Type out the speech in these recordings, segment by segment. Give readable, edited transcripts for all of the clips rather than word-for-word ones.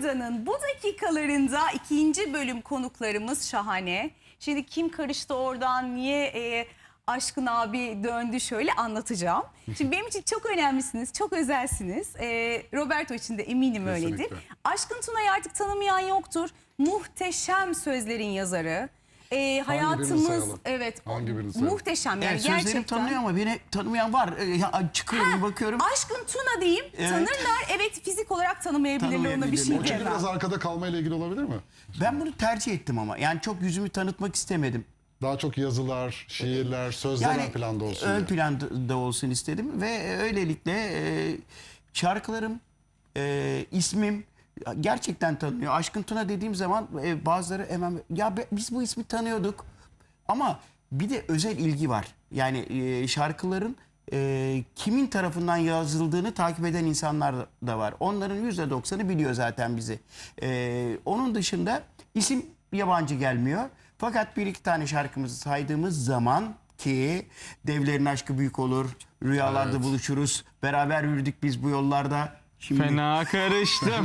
Buradan'ın bu dakikalarında ikinci bölüm konuklarımız şahane. Şimdi kim karıştı oradan, niye Aşkın abi döndü, şöyle anlatacağım. Şimdi benim için çok önemlisiniz, çok özelsiniz. Roberto için de eminim öyledir. Aşkın Tuna'yı artık tanımayan yoktur. Muhteşem sözlerin yazarı. Hayatımız, evet, muhteşem yani, gerçekten. Sözlerim tanınıyor ama beni tanımayan var. Çıkıyorum, bakıyorum. Aşkın Tuna diyeyim, evet. Tanırlar. Evet, fizik olarak tanımayabilirler, ona bir şey diyemem. O çünkü biraz arkada kalmayla ilgili olabilir mi? Ben bunu tercih ettim ama. Yani çok yüzümü tanıtmak istemedim. Daha çok yazılar, şiirler, sözler ön planda olsun. Ön planda olsun istedim ve öylelikle şarkılarım, ismim gerçekten tanınıyor. Aşkın Tuna dediğim zaman bazıları hemen ya biz bu ismi tanıyorduk ama bir de özel ilgi var. Yani şarkıların kimin tarafından yazıldığını takip eden insanlar da var. Onların %90'ı biliyor zaten bizi. Onun dışında isim yabancı gelmiyor. Fakat bir iki tane şarkımızı saydığımız zaman ki Devlerin Aşkı Büyük Olur, Rüyalarda Buluşuruz, beraber yürüdük biz bu yollarda. Şimdi... Fena karıştım.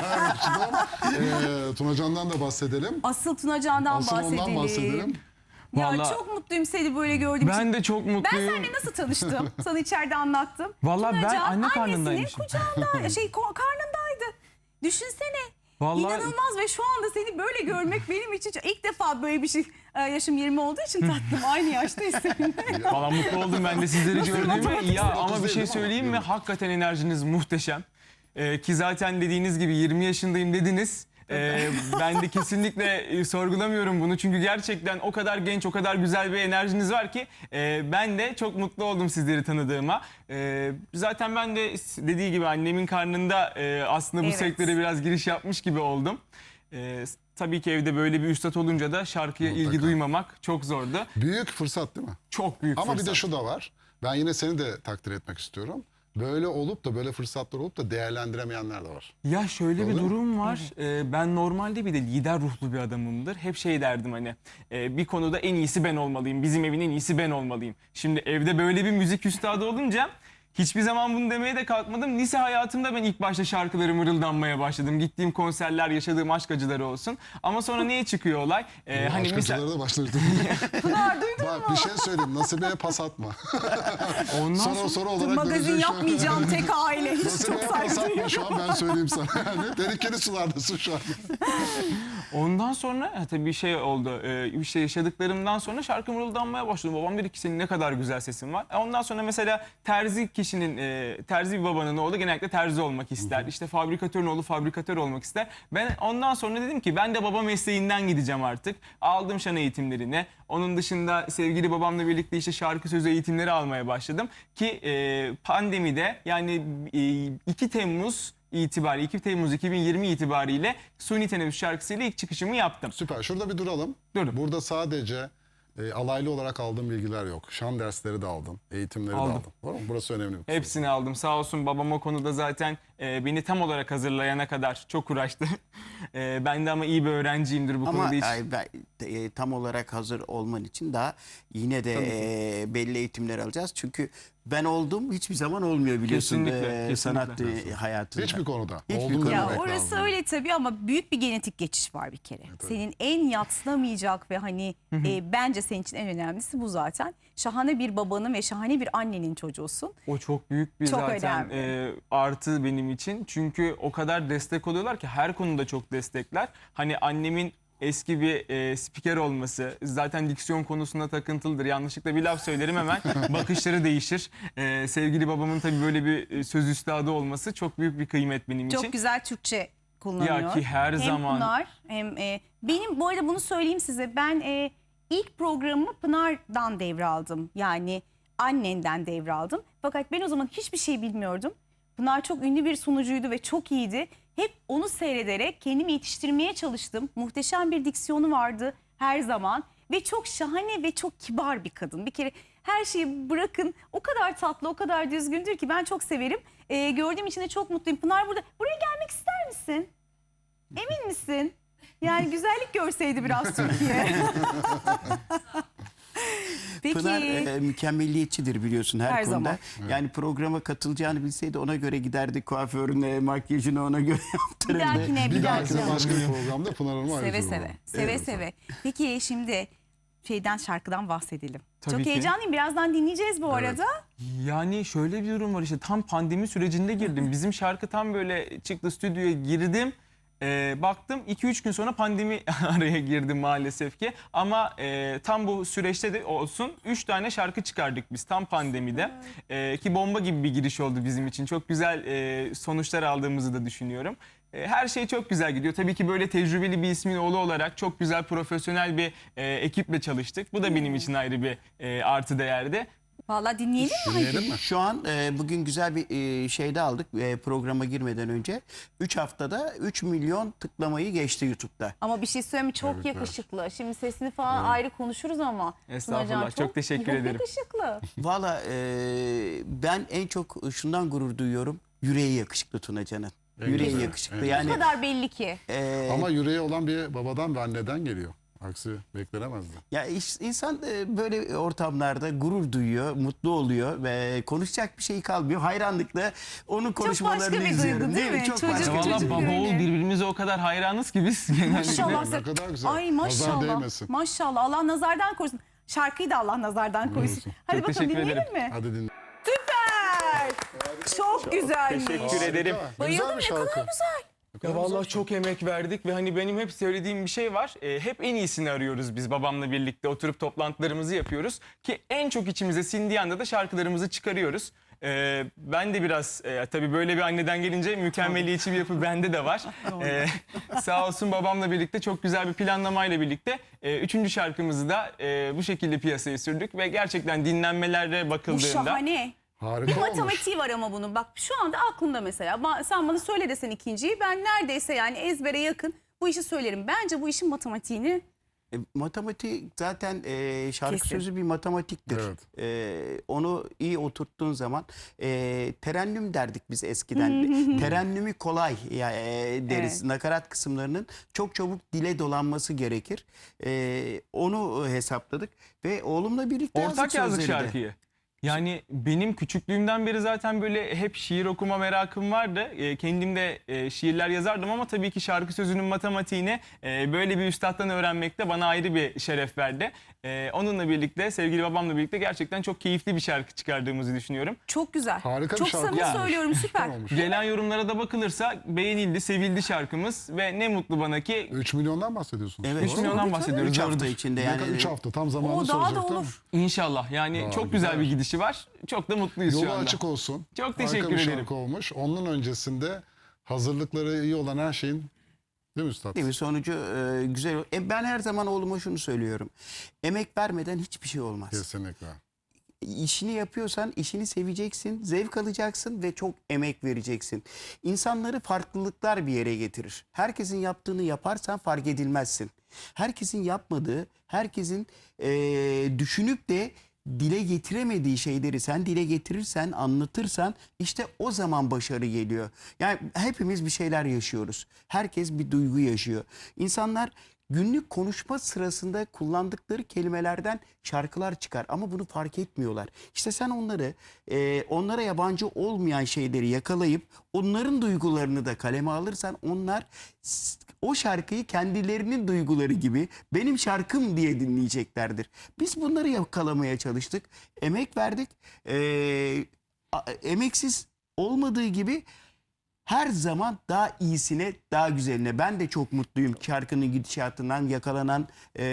Tunacan'dan da bahsedelim. Asıl Tunacan'dan ondan bahsedelim. Ya Vallahi, çok mutluyum seni böyle gördüğüm için. Ben de çok mutluyum. Ben seninle nasıl tanıştım? Sana içeride anlattım. Vallahi Tunacan, ben anne karnındaymışım. annesinin kucağında, karnındaydı. Düşünsene. Vallahi... İnanılmaz ve şu anda seni böyle görmek benim için ilk defa böyle bir şey. Yaşım 20 olduğu için tatlım, aynı yaştayız seninle. Valla mutlu oldum ben de sizleri gördüğüme. Ya ama bir şey söyleyeyim mi? Hakikaten enerjiniz muhteşem. Ki zaten dediğiniz gibi 20 yaşındayım dediniz. Ben de kesinlikle sorgulamıyorum bunu. Çünkü gerçekten o kadar genç, o kadar güzel bir enerjiniz var ki ben de çok mutlu oldum sizleri tanıdığıma. Zaten ben de dediği gibi annemin karnında aslında bu sektöre biraz giriş yapmış gibi oldum. Tabii ki evde böyle bir üstad olunca da şarkıya ilgi duymamak çok zordu. Büyük fırsat değil mi? Çok büyük Ama fırsat. Bir de şu da var. Ben yine seni de takdir etmek istiyorum. Böyle olup da böyle fırsatlar olup da değerlendiremeyenler de var. Ya şöyle bir durum var. Ben normalde bir de lider ruhlu bir adamımdır. Hep şey derdim hani bir konuda en iyisi ben olmalıyım. Bizim evin en iyisi ben olmalıyım. Şimdi evde böyle bir müzik üstadı olunca hiçbir zaman bunu demeye de kalkmadım. Lise hayatımda ben ilk başta şarkıları mırıldanmaya başladım. Gittiğim konserler, yaşadığım aşk acıları olsun. Ama sonra niye çıkıyor olay? Hani aşk acıları da başladı. Bak bir şey söyleyeyim. Nasibe'ye pas atma. Ondan sonra olarak magazin yapmayacağım tek aile. Hiç Nasibe'ye çok pas saygı atma şu an, ben söyleyeyim sana. Yani tehlikeli sulardasın şu an. Ondan sonra tabii bir şey oldu. İşte yaşadıklarımdan sonra şarkı mırıldanmaya başladım. Babam dedi ki senin ne kadar güzel sesin var. Ondan sonra mesela terzi bir babanın oğlu genellikle terzi olmak ister. İşte fabrikatörün oğlu fabrikatör olmak ister. Ben ondan sonra dedim ki ben de baba mesleğinden gideceğim artık. Aldım şan eğitimlerini. Onun dışında sevgili babamla birlikte işte şarkı sözü eğitimleri almaya başladım. Ki pandemide yani 2 Temmuz 2020 itibariyle Suni Teneffüs şarkısıyla ilk çıkışımı yaptım. Süper. Şurada bir duralım. Durun. Burada sadece alaylı olarak aldığım bilgiler yok. Şan dersleri de aldım. Eğitimleri de aldım. Doğru mu? Burası önemli. Hepsini aldım. Sağ olsun babam o konuda zaten beni tam olarak hazırlayana kadar çok uğraştı. Ben de ama iyi bir öğrenciyimdir bu konuda hiç. Ama tam olarak hazır olman için daha yine de belli eğitimler alacağız. Çünkü ben oldum hiçbir zaman olmuyor biliyorsun kesinlikle. sanat hayatında. Hiçbir konuda. Hiçbir Olduğunu konuda. Ya demek orası lazım. öyle tabii ama büyük bir genetik geçiş var bir kere. Senin en yadsınamayacak ve hani bence senin için en önemlisi bu zaten. Şahane bir babanın ve şahane bir annenin çocuğusun. O çok büyük bir Çok zaten artı benim için. Çünkü o kadar destek oluyorlar ki her konuda çok destekler. Hani annemin eski bir spiker olması zaten diksiyon konusunda takıntılıdır. Yanlışlıkla bir laf söylerim hemen bakışları değişir. Sevgili babamın tabii böyle bir söz üstadı olması çok büyük bir kıymet benim için. Çok güzel Türkçe kullanıyor. Ya ki her zaman. Hem Pınar hem benim bu arada bunu söyleyeyim size. Ben ilk programımı Pınar'dan devraldım. Yani annenden devraldım. Fakat ben o zaman hiçbir şey bilmiyordum. Pınar çok ünlü bir sunucuydu ve çok iyiydi. Hep onu seyrederek kendimi yetiştirmeye çalıştım. Muhteşem bir diksiyonu vardı her zaman. Ve çok şahane ve çok kibar bir kadın. Bir kere her şeyi bırakın, o kadar tatlı, o kadar düzgündür ki ben çok severim. Gördüğüm için de çok mutluyum. Pınar burada. Buraya gelmek ister misin? Emin misin? Yani güzellik görseydi biraz Türkiye. Peki. Pınar mükemmelliyetçidir biliyorsun her, Her konuda. zaman. Yani programa katılacağını bilseydi ona göre giderdi, kuaförüne, makyajını ona göre Bir yaptırırdı. dahakine Bir dahakine dahakine. başka bir programda Pınar Hanım'a Seve ayrıca seve. uğrarım. Seve seve. Peki şimdi şarkıdan bahsedelim. Tabii Çok ki. heyecanlıyım. Birazdan dinleyeceğiz bu arada. Yani şöyle bir durum var, işte tam pandemi sürecinde girdim. Bizim şarkı tam böyle çıktı, stüdyoya girdim. Baktım 2-3 gün sonra pandemi araya girdi maalesef ki. Ama tam bu süreçte de olsun 3 tane şarkı çıkardık biz tam pandemide. Ki bomba gibi bir giriş oldu bizim için. Çok güzel sonuçlar aldığımızı da düşünüyorum. Her şey çok güzel gidiyor. Tabii ki böyle tecrübeli bir ismin oğlu olarak çok güzel profesyonel bir ekiple çalıştık. Bu da benim için ayrı bir artı değerdi. Vallahi dinleyelim mi? Dinleyelim mi? Şu an bugün güzel bir şeyde aldık programa girmeden önce. 3 haftada 3 milyon tıklamayı geçti YouTube'da. Ama bir şey söyleyeyim mi? Çok Evet, yakışıklı. Şimdi sesini falan ayrı konuşuruz ama. Estağfurullah, Tunacan çok teşekkür ederim. yakışıklı. Valla ben en çok şundan gurur duyuyorum. Yüreği yakışıklı Tunacan'ın. En Yüreği güzel, yakışıklı. en Bu Yani kadar belli ki. Ama yüreği olan bir babadan ve anneden geliyor. Aksi beklenemezdi. ya insan böyle ortamlarda gurur duyuyor, mutlu oluyor ve konuşacak bir şey kalmıyor. Hayranlıkla onun konuşmalarını başka bir izliyorum. duygu, değil mi? Çok Çocuk- başka. Valla çocuk baba yüreği. oğul birbirimize o kadar hayranız ki biz genellikle. Maşallah. Ne kadar güzel. Ay Nazar maşallah. değmesin. Maşallah. Allah nazardan korusun. Şarkıyı da Allah nazardan korusun. Hadi Çok bakalım teşekkür dinleyelim mi? Hadi dinle. Süper. Çok güzelmiş. Teşekkür ederim. Harika. Bayıldım, Güzel bir ne şarkı. kadar güzel. Ya vallahi çok emek verdik ve hani benim hep söylediğim bir şey var. Hep en iyisini arıyoruz biz babamla birlikte oturup toplantılarımızı yapıyoruz. Ki en çok içimize sindiği anda da şarkılarımızı çıkarıyoruz. Ben de biraz tabii böyle bir anneden gelince mükemmeliyetçi bir yapı bende de var. Sağ olsun babamla birlikte çok güzel bir planlamayla birlikte 3. şarkımızı da bu şekilde piyasaya sürdük. Ve gerçekten dinlenmelere Bu bakıldığında... şahane. Harika Bir olmuş. matematiği var ama bunun. Bak şu anda aklımda mesela. Sen bana söyle desen ikinciyi. Ben neredeyse yani ezbere yakın bu işi söylerim. Bence bu işin matematiğini Matematik zaten şarkı Kesin. sözü bir matematiktir. Onu iyi oturttuğun zaman terennüm derdik biz eskiden. Terennümü kolay deriz. Evet. Nakarat kısımlarının çok çabuk dile dolanması gerekir. Onu hesapladık ve oğlumla birlikte Ortak yazdık sözleri de. şarkıyı. Yani benim küçüklüğümden beri zaten böyle hep şiir okuma merakım vardı. Kendim de şiirler yazardım ama tabii ki şarkı sözünün matematiğini böyle bir üstattan öğrenmek de bana ayrı bir şeref verdi. Onunla birlikte, sevgili babamla birlikte gerçekten çok keyifli bir şarkı çıkardığımızı düşünüyorum. çok güzel. Harika bir çok şarkı samimi olmuş. söylüyorum, süper. Olmuş. Gelen yorumlara da bakılırsa beğenildi, sevildi şarkımız ve ne mutlu bana ki 3 milyondan bahsediyorsunuz. Evet. 3 milyondan bahsediyoruz. 3 hafta Doğrudur. içinde Yani yani. 3 hafta tam zamanını O daha da soracaktım. olur. İnşallah yani çok güzel. güzel bir gidişi var. Çok da mutluyuz şu Yolu anda. açık olsun. Çok Harika teşekkür bir ederim. şarkı olmuş. Onun öncesinde hazırlıkları iyi olan her şeyin, değil mi üstad? Değil mi? Sonucu güzel. Ben her zaman oğluma şunu söylüyorum. Emek vermeden hiçbir şey olmaz. Kesinlikle. İşini yapıyorsan işini seveceksin, zevk alacaksın ve çok emek vereceksin. İnsanları farklılıklar bir yere getirir. Herkesin yaptığını yaparsan fark edilmezsin. Herkesin yapmadığı, herkesin düşünüp de dile getiremediği şeyleri sen dile getirirsen, anlatırsan işte o zaman başarı geliyor. Yani hepimiz bir şeyler yaşıyoruz. Herkes bir duygu yaşıyor. İnsanlar günlük konuşma sırasında kullandıkları kelimelerden şarkılar çıkar ama bunu fark etmiyorlar. İşte sen onlara yabancı olmayan şeyleri yakalayıp onların duygularını da kaleme alırsan onlar o şarkıyı kendilerinin duyguları gibi benim şarkım diye dinleyeceklerdir. Biz bunları yakalamaya çalıştık. Emek verdik. Emeksiz olmadığı gibi her zaman daha iyisine, daha güzeline. Ben de çok mutluyum şarkının gidişatından, yakalanan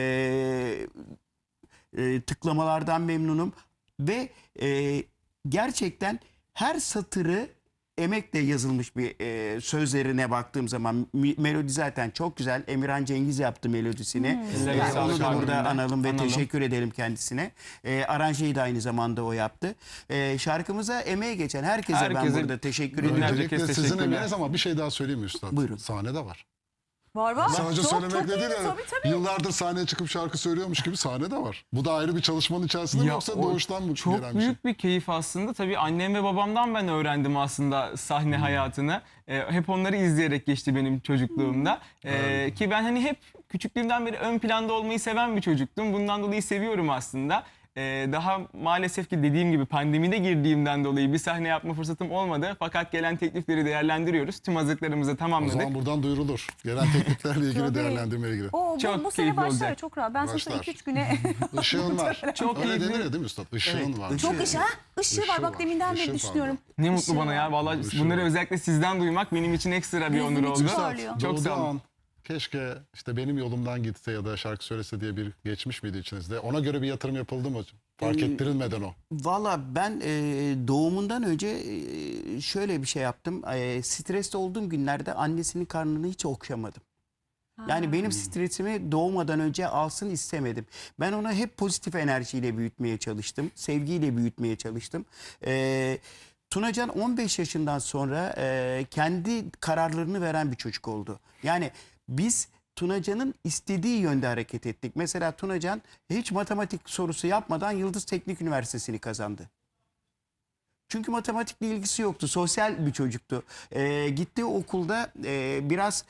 tıklamalardan memnunum. Ve gerçekten her satırı emekle yazılmış bir sözlerine baktığım zaman melodi zaten çok güzel. Emirhan Cengiz yaptı melodisini. Ellerine sağlık Onu da burada albümünden. analım ve Analım. teşekkür edelim kendisine. Aranjeyi de aynı zamanda o yaptı. Şarkımıza emeği geçen herkese ben Herkese burada teşekkür ediyorum. binlerce Öncelikle kez sizin teşekkürler. emeğiniz ama bir şey daha söyleyeyim mi üstad? Buyurun. Sahnede var. Var. Sadece Çok söylemekle iyi, değil yani. tabii. Yıllardır sahneye çıkıp şarkı söylüyormuş gibi sahne de var. Bu da ayrı bir çalışmanın içerisinde mi Ya yoksa o doğuştan mı çok gelen bir şey? büyük bir keyif aslında. Tabii annem ve babamdan ben öğrendim aslında sahne hayatını. Hep onları izleyerek geçti benim çocukluğumda. Ki ben hani hep küçüklüğümden beri ön planda olmayı seven bir çocuktum. Bundan dolayı seviyorum aslında. daha maalesef ki dediğim gibi pandemide girdiğimden dolayı bir sahne yapma fırsatım olmadı. Fakat gelen teklifleri değerlendiriyoruz. Tüm hazırlıklarımızı O tamamladık. zaman buradan duyurulur. Gelen tekliflerle ilgili Tabii. değerlendirmeye ilgili. Bu Çok sene keyifli başlar olacak. çok rahat. Ben sana Başlar. 2-3 güne Işığın var. Çok Öyle keyifli. denir ya değil mi üstad? Işığın var. çok ışığı Işığı var. Bak var, deminden ışığı beri düşünüyorum. Ne mutlu Işığı bana ya. var. Vallahi Işığı bunları var. özellikle sizden duymak benim için ekstra bir Gözüm onur içi oldu. parlıyor. Çok sağ olun. Doğduğu an keşke işte benim yolumdan gitse ya da şarkı söylese diye bir geçmiş miydi içinizde? Ona göre bir yatırım yapıldı mı hocam? Fark ettirilmeden o. Valla ben doğumundan önce şöyle bir şey yaptım. Stresli olduğum günlerde annesinin karnını hiç okşamadım. Yani benim stresimi doğmadan önce alsın istemedim. Ben onu hep pozitif enerjiyle büyütmeye çalıştım. Sevgiyle büyütmeye çalıştım. Tunacan 15 yaşından sonra kendi kararlarını veren bir çocuk oldu. Yani biz Tunacan'ın istediği yönde hareket ettik. Mesela Tunacan hiç matematik sorusu yapmadan Yıldız Teknik Üniversitesi'ni kazandı. Çünkü matematikle ilgisi yoktu. Sosyal bir çocuktu. Gittiği okulda biraz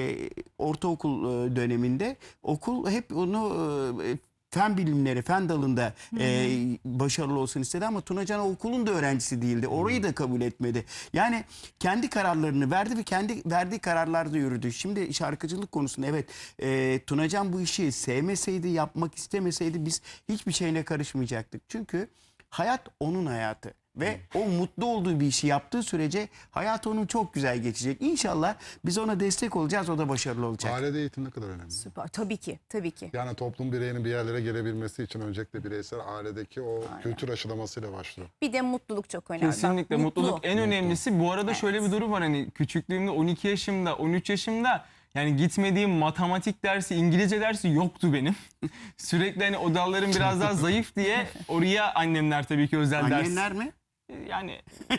ortaokul döneminde okul hep onu fen bilimleri, fen dalında başarılı olsun istedi ama Tunacan okulun da öğrencisi değildi. Orayı da kabul etmedi. Yani kendi kararlarını verdi ve kendi verdiği kararlarda yürüdü. Şimdi şarkıcılık konusunda evet Tunacan bu işi sevmeseydi, yapmak istemeseydi biz hiçbir şeyine karışmayacaktık. Çünkü hayat onun hayatı. Ve o mutlu olduğu bir işi yaptığı sürece hayat onun çok güzel geçecek. İnşallah biz ona destek olacağız, o da başarılı olacak. Ailede eğitim ne kadar önemli? Süper. Tabii ki. Tabii ki. Yani toplum bireyinin bir yerlere gelebilmesi için öncelikle bireysel ailedeki o kültür aşılamasıyla başlıyor. Bir de mutluluk çok önemli. Bak, Kesinlikle mutlu. mutluluk en önemlisi. Bu arada Evet. şöyle bir durum var, hani küçüklüğümde 12 yaşımda 13 yaşımda yani gitmediğim matematik dersi, İngilizce dersi yoktu benim. Sürekli hani o dallarım biraz daha zayıf diye oraya annemler tabii ki özel ders. Annenler mi? Yani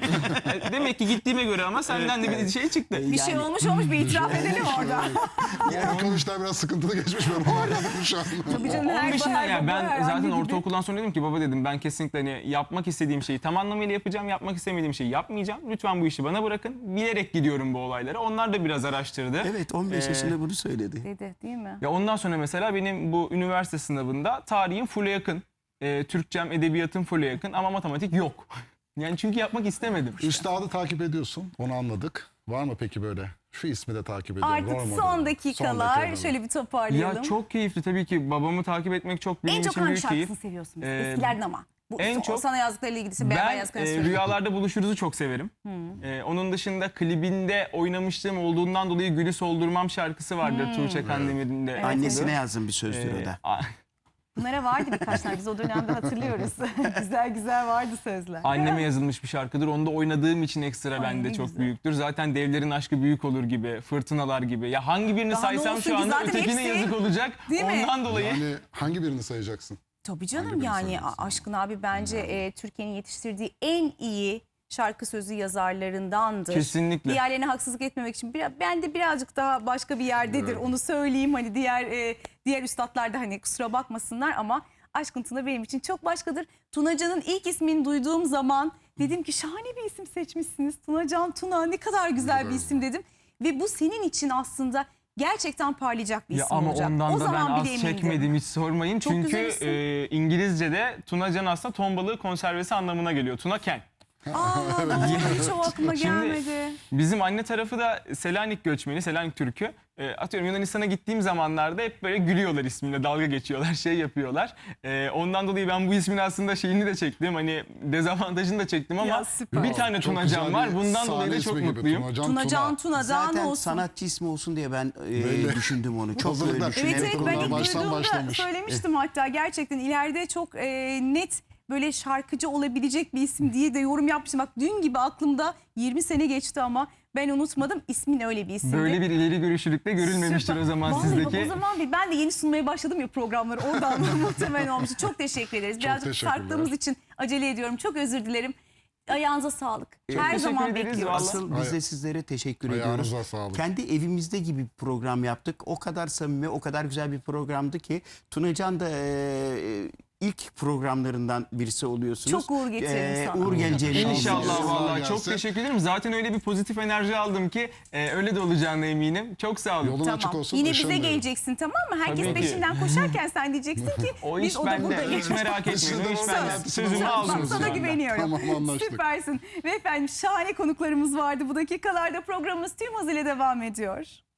demek ki gittiğime göre ama senden de bir şey çıktı. Bir şey olmuş bir itiraf edelim orada. Bakalım işler biraz sıkıntılı geçmiş ben onu anladım şu an. Tabii canım, her 15'inden baba, ya ben her zaten anne gibi. ortaokuldan sonra dedim ki baba dedim ben kesinlikle hani yapmak istediğim şeyi tam anlamıyla yapacağım. Yapmak istemediğim şeyi yapmayacağım. Lütfen bu işi bana bırakın. Bilerek gidiyorum bu olaylara. Onlar da biraz araştırdı. Evet 15 yaşında bunu söyledi. Dedi değil mi? Ya ondan sonra mesela benim bu üniversite sınavında tarihim full'e yakın. Türkçem, edebiyatım full'e yakın ama matematik yok. Yani çünkü yapmak istemedim. Üstadı takip ediyorsun, onu anladık. Var mı peki böyle? Şu ismi de takip ediyorum. Artık rol modeli. son dakikalar. dakikalar. Şöyle bir toparlayalım. Ya çok keyifli tabii ki, babamı takip etmek çok benim en çok için hangi büyük keyif. şarkısını seviyorsunuz? Eskilerden ama. Bu, en o çok- sana yazdıklarıyla ilgili beraber Ben yazdıklarını söyle. Rüyalarda Buluşuruz'u çok severim. Onun dışında klibinde oynamışlığım olduğundan dolayı Gülü Soldurmam şarkısı vardır Tuğçe Kandemir'in de. Annesine yazdım bir sözdür o da. Bunlara vardı birkaç tane. Biz o dönemde hatırlıyoruz. güzel güzel vardı sözler. Anneme yazılmış bir şarkıdır. Onu da oynadığım için ekstra Ay, bende ne çok güzel. büyüktür. Zaten Devlerin Aşkı Büyük Olur gibi, Fırtınalar gibi. Ya hangi birini Daha ne saysam olsun şu ki? anda Zaten ötekine hepsi- yazık olacak. Değil mi? Ondan dolayı. Yani hangi birini sayacaksın? Tabii canım Hangi birini yani söylüyorsun? Aşkın abi bence Türkiye'nin yetiştirdiği en iyi şarkı sözü yazarlarındandır. Kesinlikle. Diğerlerine haksızlık etmemek için ben de birazcık daha başka bir yerdedir. Evet. Onu söyleyeyim hani diğer üstadlar da hani kusura bakmasınlar ama Aşkın Tuna benim için çok başkadır. Tunacan'ın ilk ismini duyduğum zaman dedim ki şahane bir isim seçmişsiniz. Tunacan Tuna ne kadar güzel bir isim dedim. Ve bu senin için aslında gerçekten parlayacak bir Ya isim ama olacak. ondan O da ben zaman az bile emindim. çekmedim, hiç sormayın. Çok Çünkü güzel isim. İngilizce'de Tunacan aslında ton balığı konservesi anlamına geliyor. Tunaken. Aa, doğru, hiç o aklıma Şimdi- gelmedi. Bizim anne tarafı da Selanik göçmeni, Selanik Türk'ü. Atıyorum Yunanistan'a gittiğim zamanlarda hep böyle gülüyorlar ismimle, dalga geçiyorlar, şey yapıyorlar. Ondan dolayı ben bu ismin aslında şeyini de çektim. Hani dezavantajını da çektim ama Ya süper. bir tane Çok Tunacan güzel var. bir Bundan dolayı sahne da çok ismi gibi. mutluyum. Tunacan Tuna'dan Zaten olsun. sanatçı ismi olsun diye ben düşündüm onu. Çok Hazırlıklar. böyle Evet düşünerek evet Yatırımlar ben ilk baştan duyduğumda başlamış. söylemiştim hatta gerçekten ileride çok net böyle şarkıcı olabilecek bir isim diye de yorum yapmıştım. Bak dün gibi aklımda 20 sene geçti ama ben unutmadım. İsmin öyle bir isimdi. Böyle bir ileri görüşlülükte görülmemiştir Süper. o zaman Vallahi bak, sizdeki. o zaman ben de yeni sunmaya başladım ya programları. Oradan muhtemelen olmuştu. Çok teşekkür ederiz. Birazcık teşekkürler. sarktığımız için acele ediyorum. Çok özür dilerim. Ayağınıza sağlık. Her teşekkür zaman ederiz bekliyoruz. vallahi. Asıl biz de sizlere teşekkür Ayağınıza ediyoruz. sağlık. Kendi evimizde gibi bir program yaptık. O kadar samimi, o kadar güzel bir programdı ki Tunacan da ilk programlarından birisi oluyorsunuz. Çok uğur getirelim sana. Uğur geleceğini İnşallah düşünüyorum. vallahi gelsin. çok teşekkür ederim. Zaten öyle bir pozitif enerji aldım ki öyle de olacağına eminim. Çok sağ olun. Yolun açık Tamam. olsun. Yine ışın bize diyorum. geleceksin, tamam mı? Herkes Tabii ki. peşinden koşarken sen diyeceksin ki O biz iş o da bende. buradayız. Hiç merak etmeyin. O iş Söz. bende. Sözümü Söz. aldınız. Sana şu anda. güveniyorum. Tamam, anlaştık. Süpersin. Ve efendim şahane konuklarımız vardı. Bu dakikalarda programımız tüm hızıyla devam ediyor.